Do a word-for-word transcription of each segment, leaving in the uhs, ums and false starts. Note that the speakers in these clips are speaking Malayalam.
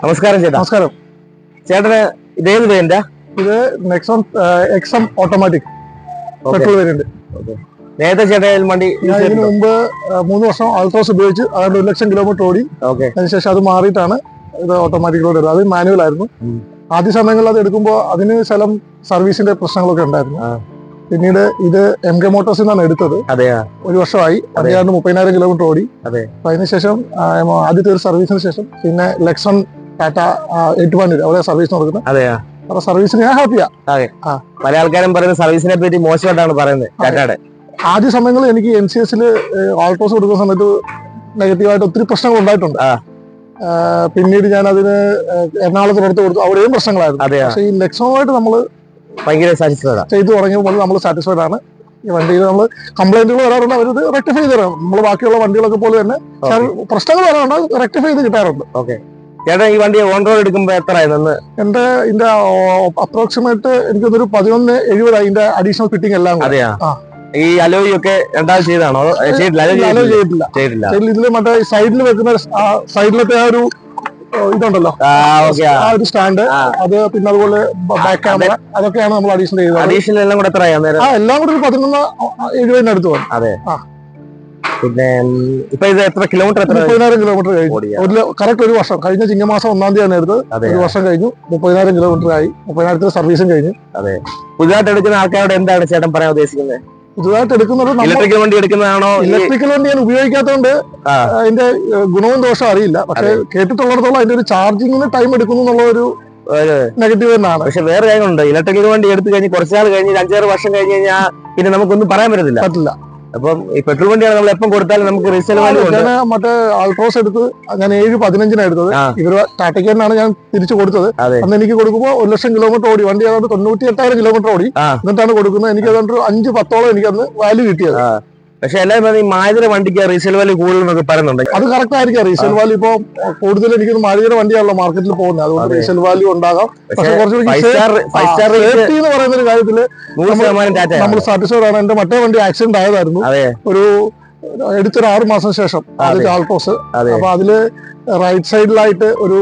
നമസ്കാരം ചേട്ടാ. നമസ്കാരം ചേട്ടന് ഇതേത് വേണ്ട? ഇത് Nexon X M automatic petrol variant. നേരത്തെ ചേട്ടൻ വണ്ടി ഇതിനു മുമ്പ് മൂന്ന് വർഷം ആൾട്രോസ് ഉപയോഗിച്ച് അതായത് ഒരു ലക്ഷം കിലോമീറ്റർ ഓടി. അതിനുശേഷം അത് മാറിയിട്ടാണ് ഇത് ഓട്ടോമാറ്റിക്കിലോട്ട് വരുന്നത്. അത് മാനുവൽ ആയിരുന്നു. ആദ്യ സമയങ്ങളിൽ അത് എടുക്കുമ്പോൾ അതിന് ശലം സർവീസിന്റെ പ്രശ്നങ്ങളൊക്കെ ഉണ്ടായിരുന്നു. പിന്നീട് ഇത് എം കെ മോട്ടോഴ്സിൽ നിന്നാണ് എടുത്തത്. ഒരു വർഷമായി. അതിനാണ്ട് മുപ്പതിനായിരം കിലോമീറ്റർ ഓടി. അപ്പൊ അതിനുശേഷം ആദ്യത്തെ ഒരു സർവീസിന് ശേഷം പിന്നെ ലെക്സൺ ടാറ്റ ഏറ്റുമാനൂർ അവിടെ സർവീസ് കൊടുക്കുന്നത്. അപ്പൊ സർവീസിന് ഞാൻ ഹാപ്പിയാ. പല ആൾക്കാരും പറയുന്നത് സർവീസിനെ പറ്റി മോശമായിട്ടാണ് പറയുന്നത് ടാറ്റയുടെ. ആദ്യ സമയങ്ങളിൽ എനിക്ക് എൻ സി എസിൽ ആൾട്രോസ് കൊടുക്കുന്ന സമയത്ത് നെഗറ്റീവായിട്ട് ഒത്തിരി പ്രശ്നങ്ങൾ ഉണ്ടായിട്ടുണ്ട്. പിന്നീട് ഞാൻ അതിന് എറണാകുളത്ത് പുറത്ത് കൊടുത്തു. അവിടെയും പ്രശ്നങ്ങളായിരുന്നു. പക്ഷേ ഈ ലെക്സോണുമായിട്ട് നമ്മൾ ഭയങ്കര സാറ്റിസ്ഫൈഡ് ചെയ്തു തുടങ്ങിയപ്പോൾ നമ്മൾ സാറ്റിസ്ഫൈഡ് ആണ്. ഈ വണ്ടിയിൽ നമ്മൾ കംപ്ലൈന്റുകൾ വരാറുണ്ട്, അവരത് റെക്ടിഫൈ ചെയ്ത് തരാം. നമ്മൾ ബാക്കിയുള്ള വണ്ടികളൊക്കെ പോലെ തന്നെ പ്രശ്നങ്ങൾ വരാറുണ്ട്, റെക്ടിഫൈ ചെയ്ത് കിട്ടാറുണ്ട്. ഓക്കെ ചേട്ടാ, ഈ വണ്ടി ഓൺ റോഡ് എടുക്കുമ്പോൾ എത്ര ആയിരുന്നു? എന്റെ ഇതിന്റെ അപ്രോക്സിമേറ്റ് എനിക്കൊരു പതിനൊന്ന് എഴുപതായി ഇതിന്റെ അഡീഷണൽ ഫിറ്റിംഗ് എല്ലാം. ഈ അലോയ് ഒക്കെ രണ്ടാമത് ചെയ്താണോ? അലോ ചെയ്തിട്ടില്ല. ഇതില് മറ്റേ സൈഡിൽ വെക്കുന്ന സൈഡിലത്തെ ആ ഒരു ഇതുണ്ടല്ലോ, ആ ഒരു സ്റ്റാൻഡ്, അത് പിന്നെ അതുപോലെ ബാക്ക് ക്യാമറ, അതൊക്കെയാണ് നമ്മൾ അഡീഷണൽ ചെയ്തത്. അഡീഷണൽ എല്ലാം കൂടെ എത്ര ആ എല്ലാം കൂടെ ഒരു പതിനൊന്ന് എഴുപതിന് അടുത്ത് പോകും. അതെ. പിന്നെ ഇപ്പൊ ഇത് എത്ര കിലോമീറ്റർ? മുപ്പതിനായിരം കിലോമീറ്റർ കഴിഞ്ഞു. ഒരു കറക്റ്റ് ഒരു വർഷം കഴിഞ്ഞ ചിങ്ങമാസം ഒന്നാം തീയതിയാണ് എടുത്തത്. ഒരു വർഷം കഴിഞ്ഞു. മുപ്പതിനായിരം കിലോമീറ്റർ ആയി. മുപ്പതിനായിരത്തിന് സർവീസും കഴിഞ്ഞു. അതെ. പുതുതായിട്ട് എടുക്കുന്ന ആൾക്കാരോട് എന്താണ് ചേട്ടൻ പറയാൻ ഉദ്ദേശിക്കുന്നത്? പുതുതായിട്ട് എടുക്കുന്നത് ഇലക്ട്രിക്കൽ വണ്ടി എടുക്കുന്നതാണോ? ഇലക്ട്രിക്കൽ വണ്ടി ഞാൻ ഉപയോഗിക്കാത്തതുകൊണ്ട് അതിന്റെ ഗുണവും ദോഷവും അറിയില്ല. പക്ഷെ കേട്ടിട്ടുള്ളിടത്തോളം അതിന്റെ ഒരു ചാർജിങ്ങിന് ടൈം എടുക്കുന്നു എന്നുള്ള ഒരു നെഗറ്റീവ് തന്നെയാണ്. പക്ഷെ വേറെ കാര്യങ്ങളുണ്ട്. ഇലക്ട്രിക്കൽ വണ്ടി എടുത്തു കഴിഞ്ഞ് കുറച്ചാൾ കഴിഞ്ഞ് അഞ്ചാറ് വർഷം കഴിഞ്ഞ് കഴിഞ്ഞാൽ പിന്നെ നമുക്കൊന്നും പറയാൻ പറ്റത്തില്ല. പറ്റില്ല. അപ്പം ഈ പെട്രോൾ വണ്ടിയാണ് നമ്മൾ എപ്പം കൊടുത്താലും നമുക്ക് റീസെയിൽ വാല്യൂ ഉണ്ട്. ഞാൻ മറ്റേ ആൾട്രോസ് എടുത്ത് ഞാൻ ഏഴ് പതിനഞ്ചിനാണ് എടുത്തത്. ഇവര് ടാറ്റയ്ക്ക് തന്നെയാണ് ഞാൻ തിരിച്ചു കൊടുത്തത്. അന്ന് എനിക്ക് കൊടുക്കുമ്പോൾ ഒരു ലക്ഷം കിലോമീറ്റർ ഓടി വണ്ടി, ഏതാണ്ട് തൊണ്ണൂറ്റി എട്ടായിരം കിലോമീറ്റർ ഓടി. എന്നിട്ടാണ് കൊടുക്കുന്നത്. എനിക്ക് ഏതാണ്ട് അഞ്ച് പത്തോളം എനിക്ക് അന്ന് വാല്യൂ കിട്ടിയത്. പക്ഷെ എല്ലാവരും ഈ മാരുതിയുടെ വണ്ടിക്ക് റീസെയിൽ വാല്യൂ കൂടുതൽ പറയുന്നുണ്ട്. അത് കറക്റ്റ് ആയിരിക്കാം. റീസെയിൽ വാല്യൂ ഇപ്പൊ കൂടുതൽ എനിക്ക് മാരുതിയുടെ വണ്ടിയാണല്ലോ മാർക്കറ്റിൽ പോകുന്നത്. അതുകൊണ്ട് റീസെയിൽ വാല്യൂ ഉണ്ടാകാം. പക്ഷെ കുറച്ചുകൂടി സേഫ്റ്റി എന്ന് പറയുന്ന ഒരു കാര്യത്തില് നമ്മൾ സാറ്റിസ്ഫൈഡ് ആണ്. എന്റെ മറ്റേ വണ്ടി ആക്സിഡന്റ് ആയതായിരുന്നു ഒരു എടുത്തൊരു ആറു മാസം ശേഷം, ആദ്യത്തെ ആൾട്രോസ്. അപ്പൊ അതില് റൈറ്റ് സൈഡിലായിട്ട് ഒരു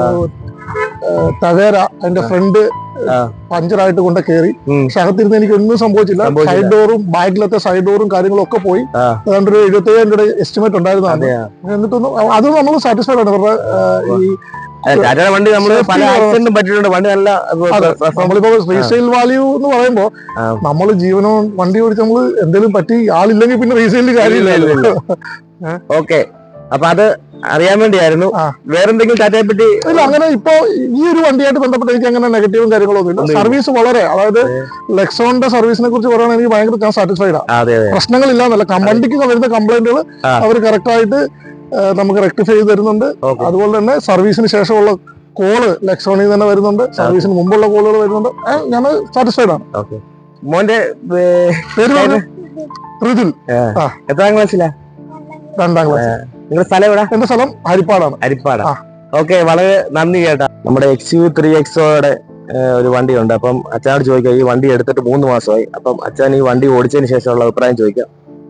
ടവേര അതിന്റെ ഫ്രണ്ട് പഞ്ചറായിട്ട് കൊണ്ട് കയറി. പക്ഷെ അകത്തിരുന്ന് എനിക്ക് ഒന്നും സംഭവിച്ചില്ല. സൈഡ് ഡോറും ബാക്കിലത്തെ സൈഡ് ഡോറും കാര്യങ്ങളും ഒക്കെ പോയി. അതുകൊണ്ട് ഒരു എഴുപത്തി ഏഴായിരം രൂപയുടെ എസ്റ്റിമേറ്റ് ഉണ്ടായിരുന്നതാണ്. എന്നിട്ടൊന്നും അത് നമ്മൾ സാറ്റിസ്ഫൈഡ് ആണ്. ഇവരുടെ ഈ വണ്ടി നമ്മള് പല ആക്സിഡന്റും പറ്റിയിട്ടുണ്ട്. വണ്ടി നല്ല നമ്മളിപ്പോ റീസെയിൽ വാല്യൂ എന്ന് പറയുമ്പോ നമ്മള് ജീവനോ വണ്ടി ഓടിച്ച് നമ്മള് എന്തെങ്കിലും പറ്റി ആളില്ലെങ്കിൽ പിന്നെ റീസെയിലിൽ കാര്യമില്ലല്ലോ. ഓക്കെ, അപ്പൊ അത് അറിയാൻ വേണ്ടിയായിരുന്നു. വേറെന്തെങ്കിലും ടാറ്റയെ പറ്റി? ഇല്ല, അങ്ങനെ ഇപ്പൊ ഈ ഒരു വണ്ടിയായിട്ട് ബന്ധപ്പെട്ട് എനിക്ക് അങ്ങനെ നെഗറ്റീവും കാര്യങ്ങളൊന്നും ഇല്ല. സർവീസ് വളരെ, അതായത് ലെക്സോണിന്റെ സർവീസിനെ കുറിച്ച് പറയുകയാണെങ്കിൽ എനിക്ക് ഭയങ്കര ഞാൻ സാറ്റിസ്ഫൈഡ് ആണ്. പ്രശ്നങ്ങളില്ലാന്നല്ല, വണ്ടിക്ക് വരുന്ന കംപ്ലൈന്റുകൾ അവർ കറക്റ്റ് ആയിട്ട് നമുക്ക് റെക്ടിഫൈ ചെയ്ത് തരുന്നുണ്ട്. അതുപോലെ തന്നെ സർവീസിന് ശേഷമുള്ള കോള് ലെക്സോണിൽ തന്നെ വരുന്നുണ്ട്. സർവീസിന് മുമ്പുള്ള കോളുകൾ വരുന്നുണ്ട്. ഞാൻ സാറ്റിസ്ഫൈഡ് ആണ്. മോന്റെ പേര് ഋതുൽ. എത്രാം ക്ലാസ്സിലാ? രണ്ടാം ക്ലാസ്. നിങ്ങളുടെ സ്ഥലം എവിടെ? എന്റെ സ്ഥലം ഹരിപ്പാടാണ്. ഹരിപ്പാട്. ഓക്കെ, വളരെ നന്ദി കേട്ടാ. നമ്മുടെ എക്സ് യു ത്രീ എക്സോയുടെ ഒരു വണ്ടിയുണ്ട്. അപ്പം അച്ഛനോട് ചോദിക്കാം, ഈ വണ്ടി എടുത്തിട്ട് മൂന്ന് മാസമായി. അപ്പം അച്ഛൻ ഈ വണ്ടി ഓടിച്ചതിന് ശേഷമുള്ള അഭിപ്രായം ചോദിക്കാം.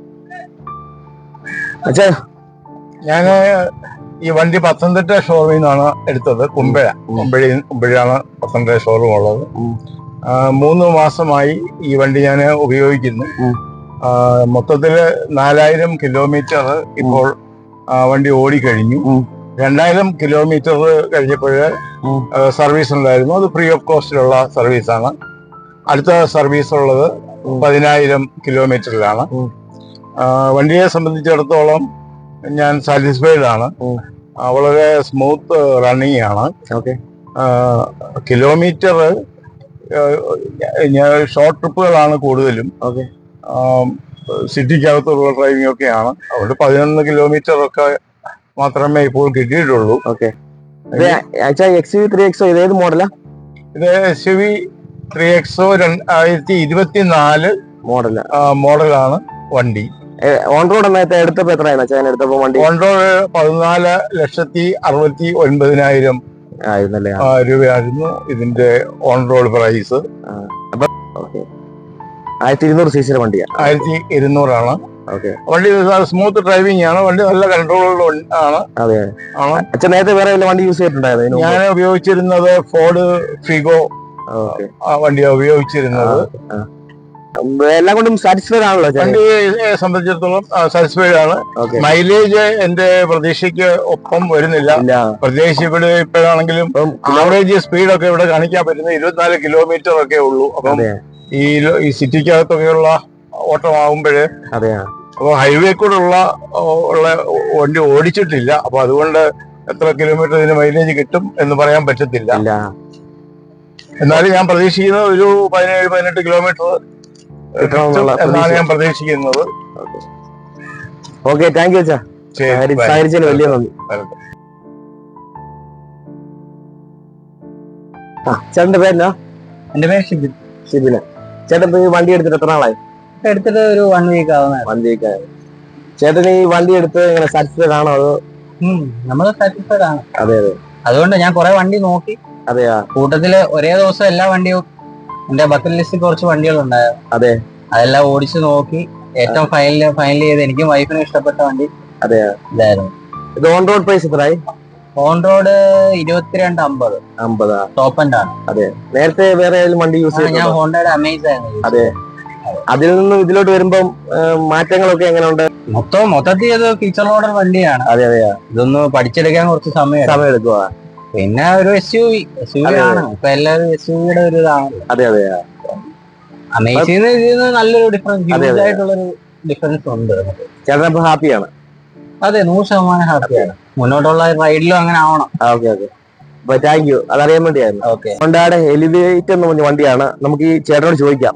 അച്ഛാ, ഞാൻ ഈ വണ്ടി പത്തനംതിട്ട ഷോറൂമിൽ നിന്നാണ് എടുത്തത്. കുമ്പഴ കുമ്പഴി കുമ്പഴയാണ് പത്തനംതിട്ട ഷോറൂം ഉള്ളത്. മൂന്ന് മാസമായി ഈ വണ്ടി ഞാൻ ഉപയോഗിക്കുന്നു. മൊത്തത്തില് നാലായിരം കിലോമീറ്റർ ഇപ്പോൾ വണ്ടി ഓടിക്കഴിഞ്ഞു. രണ്ടായിരം കിലോമീറ്റർ കഴിഞ്ഞപ്പോഴ് സർവീസ് ഉണ്ടായിരുന്നു. അത് ഫ്രീ ഓഫ് കോസ്റ്റിലുള്ള സർവീസാണ്. അടുത്ത സർവീസ് ഉള്ളത് പതിനായിരം കിലോമീറ്ററിലാണ്. വണ്ടിയെ സംബന്ധിച്ചിടത്തോളം ഞാൻ സാറ്റിസ്ഫൈഡ് ആണ്. വളരെ സ്മൂത്ത് റണ്ണിങ് ആണ്. കിലോമീറ്റർ ഷോർട്ട് ട്രിപ്പുകളാണ് കൂടുതലും. സിറ്റിക്കകത്തുള്ള ഡ്രൈവിംഗ് ഒക്കെയാണ്. അതുകൊണ്ട് പതിനൊന്ന് കിലോമീറ്റർ ഒക്കെ മാത്രമേ ഇപ്പോൾ കിട്ടിയിട്ടുള്ളൂ. Okay, X U three X O ഇത് ഏത് മോഡലാ? ഇത് S U V three X O രണ്ടായിരത്തി ഇരുപത്തിനാല് മോഡൽ മോഡലാണ് വണ്ടി. ഓൺ റോഡ് എടുത്തപ്പോ എത്രയാണ് എടുത്തപ്പോ വണ്ടി? ഓൺ റോഡ് പതിനാല് ലക്ഷത്തി അറുപത്തി ഒൻപതിനായിരം രൂപയായിരുന്നു ഇതിന്റെ ഓൺ റോഡ് പ്രൈസ്. ആയിരത്തി ഇരുന്നൂറ് സി സിയുടെ വണ്ടിയാണ്. ആയിരത്തി ഇരുന്നൂറാണ്. ഓക്കെ. വണ്ടി സ്മൂത്ത് ഡ്രൈവിംഗ് ആണ്, വണ്ടി നല്ല കൺട്രോൾ ആണ്. അതെ. ആണ്. അച്ഛൻ നേരത്തെ വേറെ വല്ല വണ്ടി യൂസ് ചെയ്തിട്ടുണ്ടായിരുന്നു? ഞാൻ ഉപയോഗിച്ചിരുന്നത് ഫോർഡ് ഫിഗോ വണ്ടിയാണ് ഉപയോഗിച്ചിരുന്നത്. എല്ലാം കൊണ്ടും സാറ്റിസ്ഫൈഡ് ആണല്ലോ വണ്ടിയെ സംബന്ധിച്ചിടത്തോളം സാറ്റിസ്ഫൈഡ് ആണ്. മൈലേജ് എന്റെ പ്രതീക്ഷയ്ക്ക് ഒപ്പം വരുന്നില്ല. പ്രത്യേകിച്ച് ഇവിടെ ഇപ്പോഴാണെങ്കിലും ആവറേജ് സ്പീഡൊക്കെ ഇവിടെ കാണിക്കാൻ പറ്റുന്നത് ഇരുപത്തിനാല് കിലോമീറ്റർ ഒക്കെ ഉള്ളൂ. അപ്പം ഈ ഈ സിറ്റിക്കകത്തൊക്കെയുള്ള ഓട്ടമാകുമ്പോഴേ അപ്പൊ ഹൈവേ കൂടെ ഉള്ള ഉള്ള വണ്ടി ഓടിച്ചിട്ടില്ല. അപ്പൊ അതുകൊണ്ട് എത്ര കിലോമീറ്റർ ഇതിന് മൈലേജ് കിട്ടും എന്ന് പറയാൻ പറ്റത്തില്ല. എന്നാലും ഞാൻ പ്രതീക്ഷിക്കുന്നത് ഒരു പതിനേഴ് പതിനെട്ട് കിലോമീറ്റർ എന്നാണ് ഞാൻ പ്രതീക്ഷിക്കുന്നത്. ഓക്കെ, താങ്ക് യു അച്ഛാ. സഹകരിച്ചതിന് വലിയ നന്ദി. ആ ചേട്ടന്റെ പേരെന്നാ? എന്റെ പേര് ഷിബിൻ. ഷിബിന്. ചേട്ടൻ ഈ വണ്ടി എടുത്തിട്ട് എത്ര നാളായി? എടുത്തിട്ട് ഒരു വൺ വീക്ക് ആവുന്ന. വൺ വീക്ക് ആയി. ചേട്ടൻ ഈ വണ്ടി എടുത്ത് ഇങ്ങനെ സാറ്റിസ്ഫൈഡ് ആണോ? അതോ? നമ്മള് സാറ്റിസ്ഫൈഡ് ആണ്. അതെ അതെ. അതുകൊണ്ട് ഞാൻ കുറെ വണ്ടി നോക്കി. അതെയാ? കൂട്ടത്തില് ഒരേ ദിവസം എല്ലാ വണ്ടിയും എന്റെ ബക്കറ്റ് ലിസ്റ്റിൽ കുറച്ച് വണ്ടികൾ ഉണ്ടായിരുന്നു. അതെ. അതെല്ലാം ഓടിച്ചു നോക്കി ഏറ്റവും ഫൈനൽ ഫൈനൽ ചെയ്ത് എനിക്കും വൈഫിനും ഇഷ്ടപ്പെട്ട വണ്ടി അതെയാ ഇതായിരുന്നു. ഇത് ഓൺ റോഡ് പ്രൈസ് എത്രയായി? ഓൺ റോഡ് ഇരുപത്തിരണ്ട് അമ്പത്. അമ്പതാ? ടോപ്പ് ആൻഡ് ആണ്. അതെ. നേരത്തെ വേറെ ഏതെങ്കിലും വണ്ടി യൂസ് ചെയ്തു? ഞാൻ ഹോണ്ടയുടെ അമേസ് ആയിരുന്നു. അതെ. അതിൽ നിന്നും ഇതിലോട്ട് വരുമ്പം മാറ്റങ്ങളൊക്കെ എങ്ങനെയുണ്ട്? മൊത്തം മൊത്തത്തിൽ ഇത് ഫീച്ചർ ഓർഡർ വണ്ടിയാണ്. അതെ അതെയാ. ഇതൊന്ന് പഠിച്ചെടുക്കാൻ കുറച്ച് സമയം സമയം എടുക്കുക. പിന്നെ ഒരു S U V S U V ആണ് ഇപ്പൊ എല്ലാവരും എസ് യു വിയുടെ ഒരു ഇതാണ്. അതെ അതെ. അമേസിന്ന് ഇതിന് നല്ലൊരു ഡിഫറൻസ് ഹ്യൂജ് ആയിട്ടുള്ളൊരു ഡിഫറൻസ് ഉണ്ട്. ചേട്ടൻ അപ്പൊ ഹാപ്പിയാണ്? അതെ, നൂറ് ശതമാനം ഹാപ്പിയാണ്. മുന്നോട്ടുള്ള റൈഡിലും അങ്ങനെ ആവണം. Okay okay. അപ്പൊ താങ്ക് യു. അതറിയാൻ വേണ്ടിയായിരുന്നു. ഓക്കെ. ഹോണ്ടയുടെ എലിവേറ്റ് എന്ന് പറഞ്ഞ വണ്ടിയാണ്. നമുക്ക് ഈ ചേട്ടനോട് ചോദിക്കാം.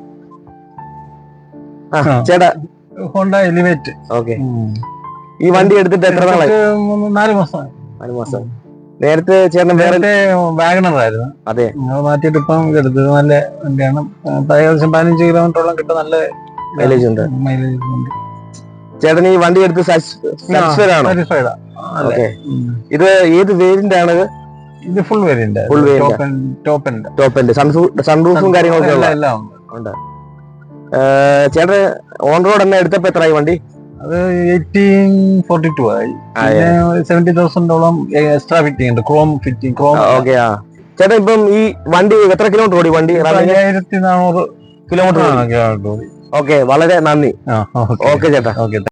ചേട്ടാ, ഹോണ്ട എലിവേറ്റ്. ഓക്കെ. ഈ വണ്ടി എടുത്തിട്ട് എത്ര നാളായി? നാല് മാസം. നാല് മാസം. നേരത്തെ ചേട്ടൻ വേറെ വാഗണർ ആയിരുന്നു. അതെ. മാറ്റിയിട്ട് ഇപ്പം എടുത്തത് നല്ല വണ്ടിയാണ്. ഏകദേശം പതിനഞ്ച് കിലോമീറ്ററോളം കിട്ടും. നല്ല മൈലേജ് ഉണ്ട്. മൈലേജ് ഉണ്ട്. ചേട്ടൻ ഈ വണ്ടി എടുത്ത് സാറ്റിസ്ഫൈഡ് ആണോ? സാറ്റിസ്ഫൈഡ്. ഓക്കെ. ഇത് ഏത് വേരിയന്റ് ആണ്? ഇത് full variant. Full variant. Top end. Top end. സൺറൂഫും കാര്യങ്ങളൊക്കെ എല്ലാം ഉണ്ട്. ചേട്ടൻ ഓൺ റോഡ് തന്നെ എടുത്തപ്പോ എത്രയായി വണ്ടി? അത് എയ്റ്റീൻ ഫോർട്ടി ടു ആയി. സെവന്റി തൗസൻഡോളം എക്സ്ട്രാ ഫിറ്റിംഗ് ഉണ്ട്. Chrome fitting. ക്രോം. ഓക്കെ. ആ ചേട്ടാ, ഇപ്പം ഈ വണ്ടി എത്ര കിലോമീറ്റർ ഓടി? വണ്ടി അയ്യായിരത്തി നാനൂറ് കിലോമീറ്റർ ഓടി. ഓക്കെ, വളരെ നന്ദി. ഓക്കെ ചേട്ടാ. ഓക്കെ.